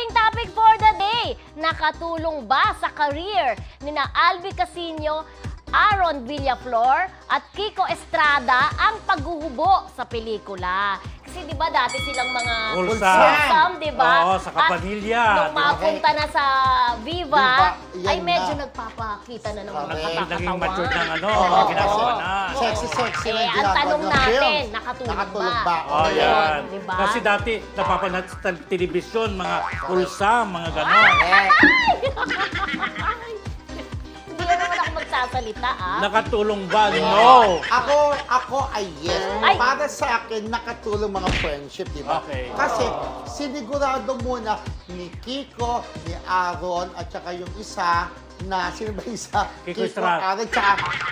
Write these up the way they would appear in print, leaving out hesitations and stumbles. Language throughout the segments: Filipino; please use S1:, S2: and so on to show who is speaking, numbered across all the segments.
S1: ating topic for the day. Nakatulong ba sa career ni na Albi Casino, Aaron Villaflor at Kiko Estrada ang paghuhubo sa pelikula? Kasi di ba dati silang mga wholesome, di ba?
S2: Oo, sa kapamilya.
S1: Nung mapunta na sa Viva,
S3: Viva,
S1: ay
S3: yan
S1: medyo
S3: na.
S1: nagpapakita na naman ng
S2: Naging
S1: katakatawan.
S2: mature ng ano,
S3: Oo.
S2: ginagawa na.
S3: Sexy na
S1: Eh,
S3: yung
S1: ang
S3: ginagawa
S1: tanong
S3: ng
S1: natin,
S3: film.
S1: nakatulong ba?
S2: Oh, yan.
S1: Diba?
S2: Kasi dati, napapanood sa telebisyon, mga wholesome, mga gano'n.
S1: Hindi na naman ako magsasalita, ah.
S2: Nakatulong ba? No!
S3: Ako ay yes.
S1: Ay.
S3: Para sa akin, nakatulong mga friendship, di ba?
S2: Okay.
S3: Kasi sinigurado muna ni Kiko, ni Aaron, at saka yung isa na, sino ba yung isa?
S2: Kiko Estrada.
S3: Aaron, tsaka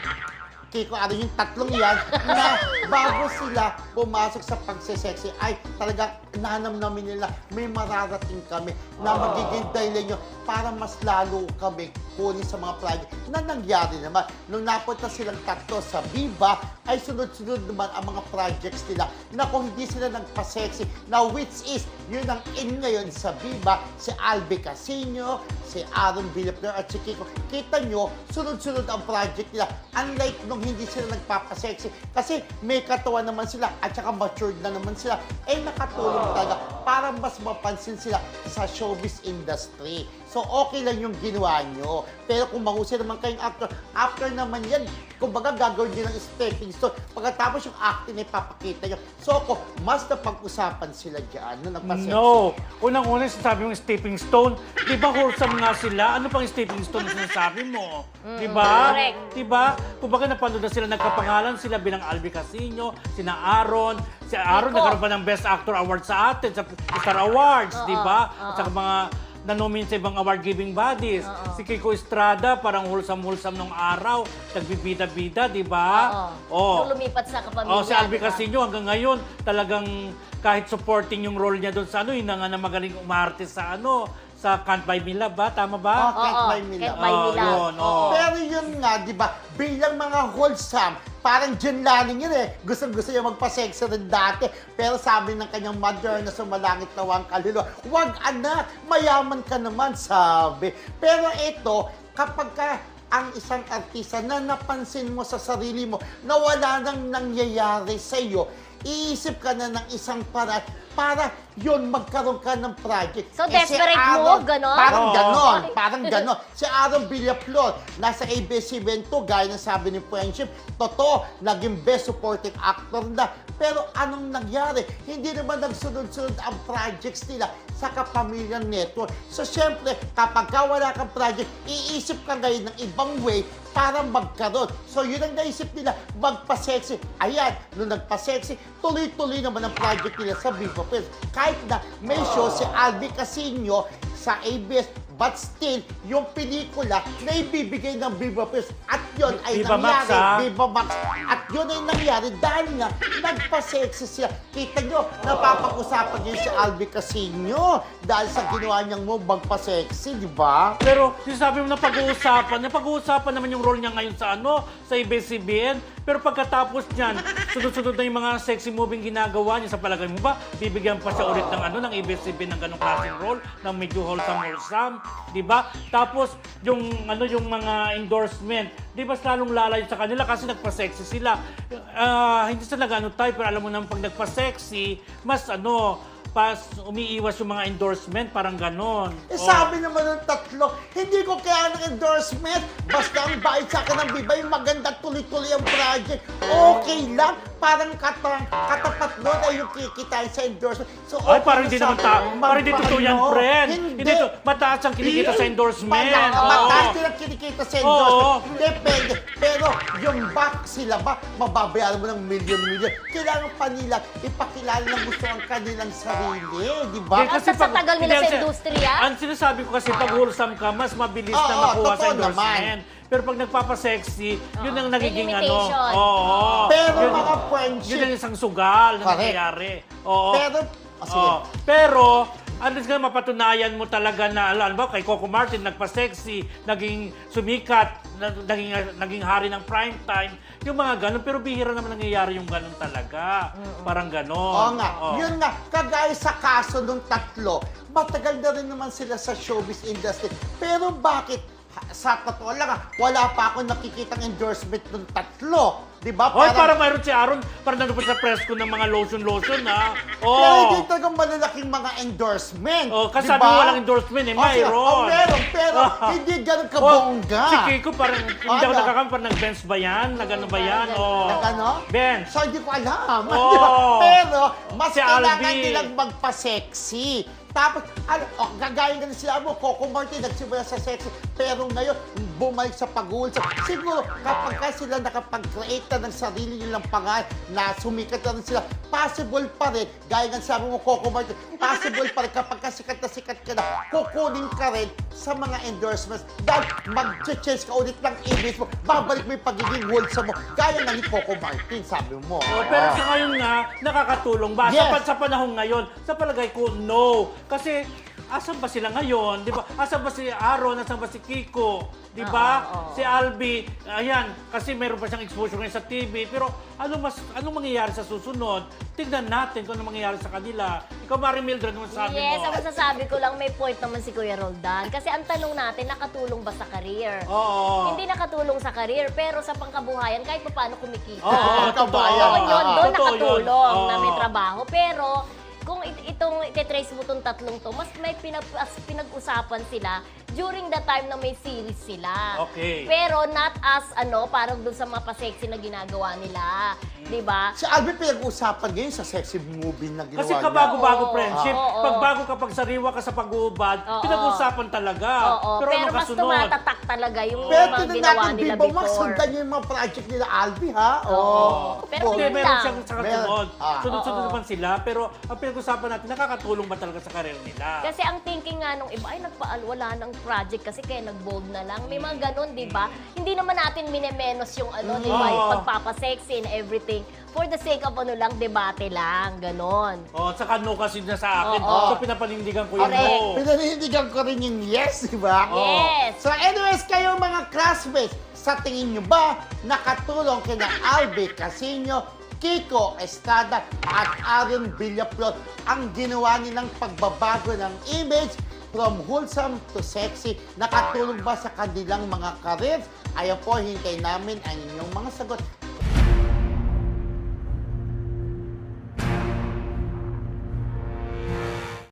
S3: Kiko Aaron, yung tatlong yan, na bago sila pumasok sa pagsesexy, ay talagang nanamnamin nila, may mararating kami na magiging dahilan nyo para mas lalo kami kunin sa mga project na nangyari naman. Nung napunta silang tatlo sa Viva, ay sunod-sunod naman ang mga projects nila na kung hindi sila nagpa-sexy, na which is, yun ang in ngayon sa Viva, si Albi Casino, si Aaron Villaflor at si Kiko. Kita nyo, sunod-sunod ang project nila. Unlike nung hindi sila nagpapa-sexy, kasi may katawan naman sila at saka matured na naman sila, eh nakatulong talaga para mas mapansin sila sa showbiz industry. So, okay lang yung ginawa nyo. Pero kung mahusay naman kayong actor, after naman yan, kumbaga gagawin nyo ng stepping stone. Pagkatapos yung acting ay papakita nyo. So, ako, mas napag-usapan sila dyan. No,
S2: No! Unang-una, sinasabi mong stepping stone. Di ba wholesome nga sila? Ano pang stepping stone na sinasabi mo? Di ba?
S1: correct.
S2: Di ba? Kumbaga napanood na sila, nagkapangalan sila bilang Albi Casino, sina Aaron. Si Aaron
S1: Kiko.
S2: nagkaroon pa ng Best Actor Award sa atin, sa Star Awards, di ba?
S1: oo.
S2: At saka mga na-nominate sa ibang award-giving bodies. Si Kiko Estrada, parang wholesome-wholesome nung araw. Nagbibida-bida, di ba?
S1: Oo. Nung lumipat sa kapamilya.
S2: Oh, si Albi
S1: diba?
S2: Casino hanggang ngayon talagang kahit supporting yung role niya doon sa ano, yun na nga na magaling umarte sa ano, sa Can't Buy Me Love ba? Tama ba?
S3: Can't
S1: Oo,
S3: Buy Me
S1: Can't
S3: Love.
S1: Buy Me Love.
S2: Yun, oo.
S3: Pero yun nga, di ba, bilang mga wholesome, parang Jen Laning yun eh. Gusto niya magpa-sexy rin dati. Pero sabi ng kanyang mother na sumalangit na wang kaluluwa, wag anak, mayaman ka naman, sabi. Pero ito, kapag ka ang isang artista na napansin mo sa sarili mo na wala nang nangyayari sa iyo, iisip ka na ng isang paraan para yun, magkaroon ka ng project.
S1: So, desperate move, ganon?
S3: Parang
S2: Oo.
S3: ganon. Parang ganon. Si Aaron Villaflor, nasa ABS-CBN to, gaya ng sabi ni Friendship, totoo, naging best supporting actor na. Pero anong nangyari? Hindi naman nagsunod-sunod ang projects nila sa Kapamilya Network. So, syempre, kapag ka wala kang project, iisip ka ngayon ng ibang way para magkaroon. So, yun ang naisip nila, magpa-sexy. Ayan, nung nagpa-sexy, tuloy-tuloy naman ang project nila sa Viva Films. Kahit na may show si Albi Casino sa ABS, but still, yung pelikula na ibibigay ng Viva Films at yun ay
S2: Viva Max,
S3: nangyari.
S2: ha?
S3: Viva Max. At yun ay nangyari dahil nga nagpa-sexy siya. Kita nyo, napapag-usapan niyo si Albi Casino dahil sa ginawa niyang move magpa-sexy, di ba?
S2: Pero sinasabi mo na pag-uusapan naman yung role niya ngayon sa ano, sa ABS-CBN. Pero pagkatapos niyan, sunod-sunod na yung mga sexy moving ginagawa niya. Sa palagay mo ba, bibigyan pa siya ulit ng ano, ng ABS-CBN ng ganong klaseng role, ng medyo wholesome, di ba? Tapos yung ano, yung mga endorsement, di ba lalong lalayo sa kanila kasi nagpa-sexy sila. Hindi sila nag-ano tayo, pero alam mo naman pag nagpa-sexy, mas ano, pas umiiwas yung mga endorsement, parang ganon.
S3: Eh, sabi naman ng tatlo, hindi ko kaya ng endorsement. Basta ang bayad sa akin ng Viva, yung maganda tuloy-tuloy ang project. Okay lang. Parang katapat nun ay yung kikitain sa endorsement. So,
S2: Ay,
S3: okay
S2: parang
S3: na
S2: hindi
S3: sa
S2: naman parang hindi totoo yan,
S3: magpaano.
S2: friend.
S3: Hindi.
S2: Mataas ang kinikita sa endorsement.
S3: Mataas
S2: Oo.
S3: din ang kinikita sa endorsement.
S2: Oo.
S3: Depende. Pero yung back sila ba, mababayaran mo ng million-million. Kailangan pa nila ipakilala ng gusto ang kanilang sarili. Di ba?
S2: Hindi,
S1: At sa tagal nila
S2: hindi,
S1: sa industriya?
S2: Ang sinasabi ko kasi pag wholesome ka, mas mabilis na
S3: Oo,
S2: makuha sa
S3: totoo
S2: endorsement. Pero pag nagpapa-sexy, yun ang nagiging
S1: May
S2: ano.
S1: limitation.
S2: Oo.
S3: Pero
S2: Yun-
S3: mga friendship.
S2: Yun ang isang sugal na
S3: Correct.
S2: nangyayari. Oo.
S3: Pero, sige.
S2: Oo. Pero, alis nga mapatunayan mo talaga na, alam ba, kay Coco Martin, nagpa-sexy, naging sumikat, naging hari ng prime time, yung mga ganun. Pero bihira naman nangyayari yung ganun talaga. Parang ganun.
S3: Oo nga.
S2: Oo.
S3: Yun nga, kagaya sa kaso ng tatlo, matagal na rin naman sila sa showbiz industry. Pero bakit, sa totoo lang wala pa ako nakikitang endorsement ng tatlo. Di ba?
S2: Hoy, para mayroon si Aaron, para nandun pa sa press ko ng mga lotion, ha?
S3: Pero hindi
S2: Oh.
S3: talagang malalaking mga endorsement.
S2: Oh, kasi
S3: di
S2: sabi
S3: ba?
S2: mo walang endorsement, eh, mayroon.
S3: Meron, pero hindi ganun kabongga.
S2: Si Kiko parang, hindi ako
S3: Ano?
S2: nagkakamp, parang nag-bench ba yan? Nag-ano ba yan? Oh.
S3: Nag-ano?
S2: Bench.
S3: So, hindi ko alam.
S2: Oh.
S3: Di ba? Pero, mas
S2: Si
S3: kailangan
S2: Albi.
S3: nilang magpa-sexy. Tapos, gagaya nga sila mo, Coco Martin, nagsimula sa sexy. Pero ngayon, bumalik sa pag-uulsa. Siguro, kapag ka sila nakapag-create na ng sarili nilang pangalan, na sumikat na rin sila, possible pa rin, gaya nga sabi mo, Coco Martin, possible pa rin kapag ka sikat ka na, kukunin ka rin sa mga endorsements. Dahil mag-change ka ulit ng image mo, babalik mo yung pagiging wholesome mo. Gaya nga ni Coco Martin, sabi mo.
S2: Oh, pero sa ngayon nga, nakakatulong ba?
S3: Yes.
S2: Sa panahon ngayon, sa palagay ko, no. Kasi, asan ba sila ngayon? Di ba? Asan ba si Aaron? Asan ba si Kiko? Di ba?
S1: Oo.
S2: Si Albi, ayan, kasi meron pa siyang exposure ngayon sa TV. Pero anong mangyayari sa susunod? Tignan natin kung ano mangyayari sa kanila. Ikaw, Mari Mildred, ano sabi
S1: Yes,
S2: mo?
S1: ang masasabi ko lang, may point naman si Kuya Roldan. Kasi ang tanong natin, nakatulong ba sa career?
S2: Oo.
S1: Hindi nakatulong sa career, pero sa pangkabuhayan, kahit pa paano kumikita.
S2: Oo,
S3: kabayan.
S1: Doon yun, doon
S2: Totoo
S1: nakatulong
S2: yun.
S1: na may
S2: Oo.
S1: trabaho. Pero, kung itong ititrace mo itong tatlong to, mas may pinag-usapan sila during the time na may series sila.
S2: Okay.
S1: Pero not as, parang dun sa mga pa-sexy na ginagawa nila. Di ba?
S3: Si Albi pinag-usapan ngayon sa sexy movie na ginawa
S2: Kasi
S3: niya.
S2: kabago-bago
S1: Oo.
S2: friendship.
S1: Oo.
S2: Pag bago kapag sariwa ka sa pag-uubad,
S1: Oo.
S2: pinag-usapan talaga.
S1: Oo,
S2: Pero
S1: pero
S2: ano
S1: mas
S2: kasunod?
S1: tumatatak talaga yung
S3: Pero
S1: mga
S3: tinan
S1: ginawa
S3: natin,
S1: nila
S3: Bibo,
S1: before.
S3: masundan niyo yung mga project nila Albi, ha?
S1: Oo. Pero
S3: Oo.
S2: Hindi,
S1: yun
S2: meron
S1: lang.
S2: siyang sa kasunod.
S3: Meron.
S2: Sunod-sunod
S1: Oo.
S2: naman sila. Pero ang pinag-usapan natin, nakakatulong ba talaga sa karir nila?
S1: Kasi ang thinking nga nung iba, ay wala ng project kasi kaya nag-bold na lang. May mga ganun, di ba? Hindi naman natin minemenos yung di ba, yung
S2: Oo.
S1: pagpapasexy and everything. For the sake of lang, debate lang, ganon.
S2: Oh, saka no kasi na sa akin.
S1: Oo.
S2: So pinapanindigan ko yung
S1: Correct.
S2: no.
S3: Pinanindigan ko rin yung yes, di ba?
S1: Yes.
S3: So anyways, kayo mga classmates, sa tingin nyo ba nakatulong kina Albi Casino, Kiko Estrada at Aaron Villaflor ang ginawa nilang pagbabago ng image from wholesome to sexy? Nakatulong ba sa kanilang mga careers? Ayan po, hintay namin ang inyong mga sagot